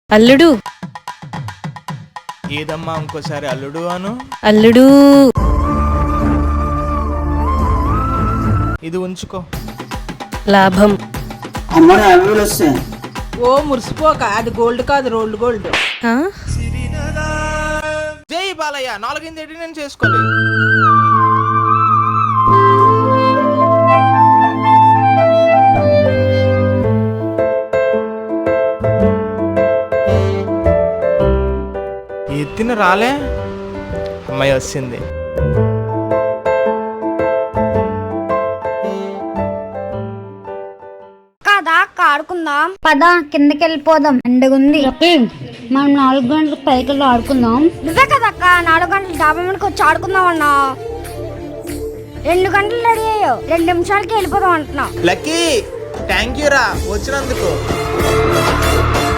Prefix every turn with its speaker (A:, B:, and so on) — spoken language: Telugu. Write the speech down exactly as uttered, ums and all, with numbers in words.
A: అల్లుడు
B: ఏదమ్మా ఇంకోసారి అల్లుడు అను.
A: అల్లుడు
B: ఇది ఉంచుకో.
A: లాభం.
C: అమ్మని యాభై వేలు వస్తాయి.
D: ఓ మురిసిపోక, అది గోల్డ్ కాదు, రోల్డ్ గోల్డ్.
A: ఆ?
B: జై బాలయ్య. నాలుగైదు ఎడి నేను చేసుకోవాలి. ఎత్తిన రాలే. అమ్మాయి వచ్చింది.
E: కదా ఆడుకుందాం పద, కిందకి వెళ్ళిపోదాం. ఎండగుంది.
F: మనం నాలుగు గంటలకు పైకి వెళ్ళి ఆడుకుందాం.
E: నువ్వే కదా అక్క నాలుగు గంటలు డాబా మీదకి వచ్చి ఆడుకుందాం అన్నా. రెండు గంటలు రెడీ అయ్యావు, రెండు నిమిషాలకి వెళ్ళిపోదాం అంటున్నావు.
B: లక్కీ థ్యాంక్ యూ రా వచ్చినందుకు.